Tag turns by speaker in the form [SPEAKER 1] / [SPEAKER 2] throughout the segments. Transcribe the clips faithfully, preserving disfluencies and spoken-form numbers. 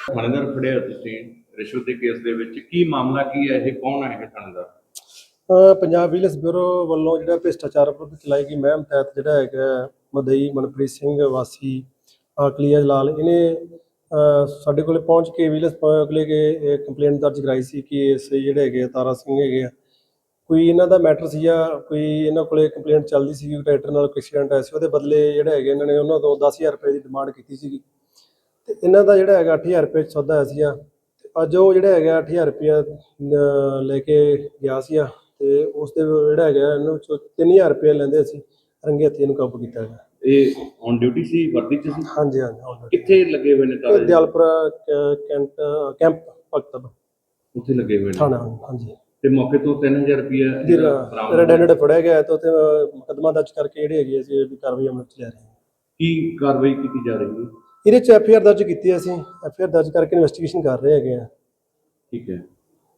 [SPEAKER 1] ਥਾਣੇਦਾਰ ਫੜਿਆ ਤੁਸੀਂ ਰਿਸ਼ਵਤ ਦੇ ਕੇਸ ਦੇ ਵਿੱਚ, ਕੀ ਮਾਮਲਾ ਕੀ ਹੈ? ਇਹ ਕੌਣ ਹੈ ਇਹ ਥਾਣੇਦਾਰ?
[SPEAKER 2] ਅ, ਪੰਜਾਬ ਵਿਜੀਲੈਂਸ ਬਿਊਰੋ ਵੱਲੋਂ ਜਿਹੜਾ ਭ੍ਰਿਸ਼ਟਾਚਾਰ ਵਿਰੁੱਧ ਚਲਾਈ ਗਈ ਮੁਹਿੰਮ ਤਹਿਤ ਜਿਹੜਾ ਹੈਗਾ ਮਦਈ ਮਨਪ੍ਰੀਤ ਸਿੰਘ ਵਾਸੀ ਆਕਲੀਆ ਜਲਾਲ, ਇਹਨੇ ਅ, ਸਾਡੇ ਕੋਲੇ ਪਹੁੰਚ ਕੇ ਵਿਜੀਲੈਂਸ ਕੋਲੇ ਕੇ ਕੰਪਲੇਂਟ ਦਰਜ ਕਰਾਈ ਸੀ ਕਿ ਇਸ ਜਿਹੜੇ ਹੈਗੇ ਆ ਤਾਰਾ ਸਿੰਘ ਹੈਗੇ ਆ, ਕੋਈ ਇਹਨਾਂ ਦਾ ਮੈਟਰ ਸੀਗਾ, ਕੋਈ ਇਹਨਾਂ ਕੋਲੇ ਕੰਪਲੇਂਟ ਚੱਲਦੀ ਸੀ ਕਿ ਟਰੈਕਟਰ ਨਾਲ ਕੋਈ ਐਕਸੀਡੈਂਟ ਆਇਆ ਸੀ, ਉਹਦੇ ਬਦਲੇ ਜਿਹੜਾ ਹੈਗੇ ਇਹਨਾਂ ਨੇ ਉਹਨਾਂ ਤੋਂ ਦਸ ਹਜ਼ਾਰ ਰੁਪਏ ਦੀ ਡਿਮਾਂਡ ਕੀਤੀ ਸੀਗੀ ਤੇ ਇਹਨਾਂ ਦਾ ਜਿਹੜਾ ਹੈਗਾ ਅੱਠ ਹਜ਼ਾਰ ਰੁਪਏ 'ਚ ਸੌਦਾ ਹੋਇਆ ਸੀਗਾ। ਤੇ ਅੱਜ ਉਹ ਜਿਹੜਾ ਹੈਗਾ ਅੱਠ ਹਜ਼ਾਰ ਰੁਪਇਆ ਅ, ਲੈ ਕੇ ਗਿਆ ਸੀਗਾ ਤੇ ਉਸ ਦੇ ਜਿਹੜਾ ਹੈਗਾ ਇਹਨੂੰ ਚੋਂ ਤਿੰਨ ਹਜ਼ਾਰ ਰੁਪਏ ਲੈਂਦੇ ਅਸੀਂ ਰੰਗੇ ਹੱਥੀਂ ਇਹਨੂੰ ਕਾਬੂ ਕੀਤਾ ਹੈਗਾ।
[SPEAKER 1] ਇਹ ਔਨ ਡਿਊਟੀ ਸੀ, ਵਰਦੀ ਚ ਸੀ?
[SPEAKER 2] ਹਾਂਜੀ ਹਾਂਜੀ already।
[SPEAKER 1] ਕਿੱਥੇ ਲੱਗੇ ਹੋਏ ਨੇ
[SPEAKER 2] ਇਹ
[SPEAKER 1] ਤਾਰੇ?
[SPEAKER 2] ਦਿਆਲਪੁਰਾ ਕ- ਕੈਂਟ ਕੈਂਪ ਭਗਤਬ
[SPEAKER 1] ਉੱਥੇ ਲੱਗੇ ਹੋਏ ਨੇ
[SPEAKER 2] ਥਾਣਾ। ਹਾਂਜੀ
[SPEAKER 1] ਤੇ ਮੌਕੇ ਤੋਂ ਤਿੰਨ ਹਜ਼ਾਰ ਰੁਪਇਆ
[SPEAKER 2] ਰੈਡ ਹੈਂਡਡ ਫੜਿਆ ਗਿਆ ਤੇ ਉੱਥੇ ਮੁਕੱਦਮਾ ਦਰਜ ਕਰਕੇ ਜਿਹੜੇ ਹੈਗੇ ਅਸੀਂ ਇਹਦੀ ਕਾਰਵਾਈ ਅਮਲ 'ਚ ਲੈ ਰਹੇ ਹਾਂ।
[SPEAKER 1] ਕੀ ਕਾਰਵਾਈ ਕੀਤੀ ਜਾ ਰਹੀ ਹੈ?
[SPEAKER 2] ਇਹਦੇ 'ਚ ਐਫ ਆਈ ਆਰ ਦਰਜ ਕੀਤੀ ਹੈ, ਅਸੀਂ ਐਫ ਆਈ ਆਰ ਦਰਜ ਕਰਕੇ ਇਨਵੈਸਟੀਗੇਸ਼ਨ ਕਰ ਰਹੇ ਹੈਗੇ ਆ।
[SPEAKER 1] ਠੀਕ ਹੈ।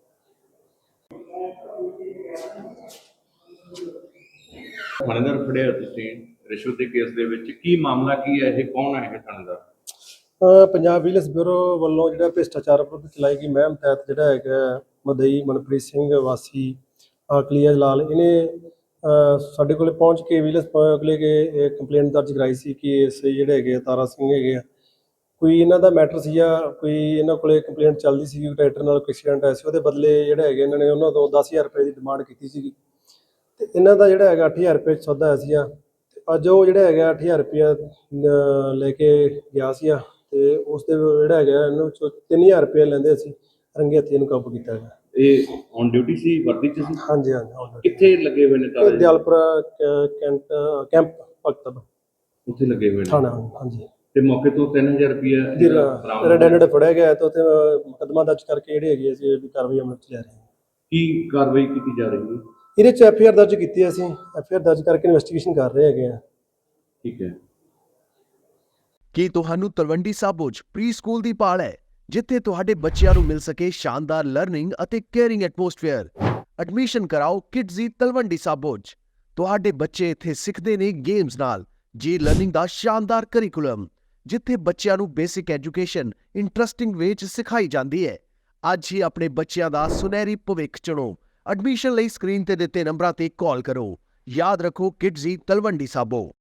[SPEAKER 1] ਥਾਣੇਦਾਰ ਫੜਿਆ ਤੁਸੀਂ ਰਿਸ਼ਵਤ ਦੇ ਕੇਸ ਦੇ ਵਿੱਚ, ਕੀ ਮਾਮਲਾ ਕੀ ਹੈ? ਇਹ ਕੌਣ ਹੈ ਇਹ ਥਾਣੇਦਾਰ?
[SPEAKER 2] ਅ, ਪੰਜਾਬ ਵਿਜੀਲੈਂਸ ਬਿਊਰੋ ਵੱਲੋਂ ਜਿਹੜਾ ਭ੍ਰਿਸ਼ਟਾਚਾਰ ਵਿਰੁੱਧ ਚਲਾਈ ਗਈ ਮੁਹਿੰਮ ਤਹਿਤ ਜਿਹੜਾ ਹੈਗਾ ਮਦਈ ਮਨਪ੍ਰੀਤ ਸਿੰਘ ਵਾਸੀ ਆਕਲੀਆ ਜਲਾਲ, ਇਹਨੇ ਅ, ਸਾਡੇ ਕੋਲੇ ਪਹੁੰਚ ਕੇ ਵਿਜੀਲੈਂਸ ਕੋਲੇ ਕੇ ਕੰਪਲੇਂਟ ਦਰਜ ਕਰਾਈ ਸੀ ਕਿ ਇਸ ਜਿਹੜੇ ਹੈਗੇ ਆ ਤਾਰਾ ਸਿੰਘ ਹੈਗੇ ਆ, ਕੋਈ ਇਹਨਾਂ ਦਾ ਮੈਟਰ ਸੀਗਾ, ਕੋਈ ਇਹਨਾਂ ਕੋਲੇ ਕੰਪਲੇਂਟ ਚੱਲਦੀ ਸੀ ਕਿ ਟਰੈਕਟਰ ਨਾਲ ਕੋਈ ਐਕਸੀਡੈਂਟ ਆਇਆ ਸੀ, ਉਹਦੇ ਬਦਲੇ ਜਿਹੜਾ ਹੈਗੇ ਇਹਨਾਂ ਨੇ ਉਹਨਾਂ ਤੋਂ ਦਸ ਹਜ਼ਾਰ ਰੁਪਏ ਦੀ ਡਿਮਾਂਡ ਕੀਤੀ ਸੀਗੀ ਤੇ ਇਹਨਾਂ ਦਾ ਜਿਹੜਾ ਹੈਗਾ ਅੱਠ ਹਜ਼ਾਰ ਰੁਪਏ 'ਚ ਸੌਦਾ ਹੋਇਆ ਸੀਗਾ। ਤੇ ਅੱਜ ਉਹ ਜਿਹੜਾ ਹੈਗਾ ਅੱਠ ਹਜ਼ਾਰ ਰੁਪਇਆ ਅ, ਲੈ ਕੇ ਗਿਆ ਸੀਗਾ ਤੇ ਉਸ ਦੇ ਜਿਹੜਾ ਹੈਗਾ ਇਹਨੂੰ ਚੋਂ ਤਿੰਨ ਹਜ਼ਾਰ ਰੁਪਏ ਲੈਂਦੇ ਅਸੀਂ ਰੰਗੇ ਹੱਥੀਂ ਇਹਨੂੰ ਕਾਬੂ ਕੀਤਾ ਹੈਗਾ।
[SPEAKER 1] ਇਹ ਔਨ ਡਿਊਟੀ ਸੀ, ਵਰਦੀ ਚ ਸੀ?
[SPEAKER 2] ਹਾਂਜੀ ਹਾਂਜੀ already।
[SPEAKER 1] ਕਿੱਥੇ ਲੱਗੇ ਹੋਏ ਨੇ
[SPEAKER 2] ਇਹ
[SPEAKER 1] ਤਾਰੇ?
[SPEAKER 2] ਦਿਆਲਪੁਰਾ ਕ- ਕੈਂਟ ਕੈਂਪ ਭਗਤਬ
[SPEAKER 1] ਉੱਥੇ ਲੱਗੇ ਹੋਏ ਨੇ
[SPEAKER 2] ਥਾਣਾ। ਹਾਂਜੀ
[SPEAKER 1] ਤੇ ਮੌਕੇ ਤੋਂ ਤਿੰਨ ਹਜ਼ਾਰ ਰੁਪਇਆ
[SPEAKER 2] ਰੈਡ ਹੈਂਡਡ ਫੜਿਆ ਗਿਆ ਤੇ ਉੱਥੇ ਮੁਕੱਦਮਾ ਦਰਜ ਕਰਕੇ ਜਿਹੜੇ ਹੈਗੇ ਅਸੀਂ ਇਹਦੀ ਕਾਰਵਾਈ ਅਮਲ 'ਚ ਲੈ ਰਹੇ ਹਾਂ।
[SPEAKER 1] ਕੀ ਕਾਰਵਾਈ ਕੀਤੀ ਜਾ ਰਹੀ ਹੈ?
[SPEAKER 2] ਇਹਦੇ 'ਚ ਐਫ ਆਈ ਆਰ ਦਰਜ ਕੀਤੀ ਹੈ, ਅਸੀਂ ਐਫ ਆਈ ਆਰ ਦਰਜ ਕਰਕੇ ਇਨਵੈਸਟੀਗੇਸ਼ਨ ਕਰ ਰਹੇ ਹੈਗੇ ਆ।
[SPEAKER 1] ਠੀਕ ਹੈ।
[SPEAKER 3] ਕੀ ਤੁਹਾਨੂੰ ਤਲਵੰਡੀ ਸਾਬੋ 'ਚ ਪ੍ਰੀ ਸਕੂਲ ਦੀ ਭਾਲ ਹੈ, ਜਿੱਥੇ ਤੁਹਾਡੇ ਬੱਚਿਆਂ ਨੂੰ ਮਿਲ ਸਕੇ ਸ਼ਾਨਦਾਰ ਲਰਨਿੰਗ ਅਤੇ ਕੇਅਰਿੰਗ ਐਟਮੋਸਫੇਅਰ? ਐਡਮਿਸ਼ਨ ਕਰਾਓ ਕਿਡਜ਼ੀ ਤਲਵੰਡੀ ਸਾਬੋ 'ਚ। ਤੁਹਾਡੇ ਬੱਚੇ ਇੱਥੇ ਸਿੱਖਦੇ ਨੇ ਗੇਮਸ ਨਾਲ ਜੀ ਲਰਨਿੰਗ ਦਾ ਸ਼ਾਨਦਾਰ ਕਰਿਕੂਲਮ, ਜਿੱਥੇ ਬੱਚਿਆਂ ਨੂੰ ਬੇਸਿਕ ਐਜੂਕੇਸ਼ਨ ਇੰਟਰਸਟਿੰਗ ਵੇ 'ਚ ਸਿਖਾਈ ਜਾਂਦੀ ਹੈ। ਅੱਜ ਹੀ ਆਪਣੇ ਬੱਚਿਆਂ ਦਾ ਸੁਨਹਿਰੀ ਭਵਿੱਖ ਚੁਣੋ। ਐਡਮਿਸ਼ਨ ਲਈ ਸਕਰੀਨ ਤੇ ਦਿੱਤੇ ਨੰਬਰਾਂ ਤੇ ਕਾਲ ਕਰੋ। ਯਾਦ ਰੱਖੋ, ਕਿਡਜ਼ੀ ਤਲਵੰਡੀ ਸਾਬੋ।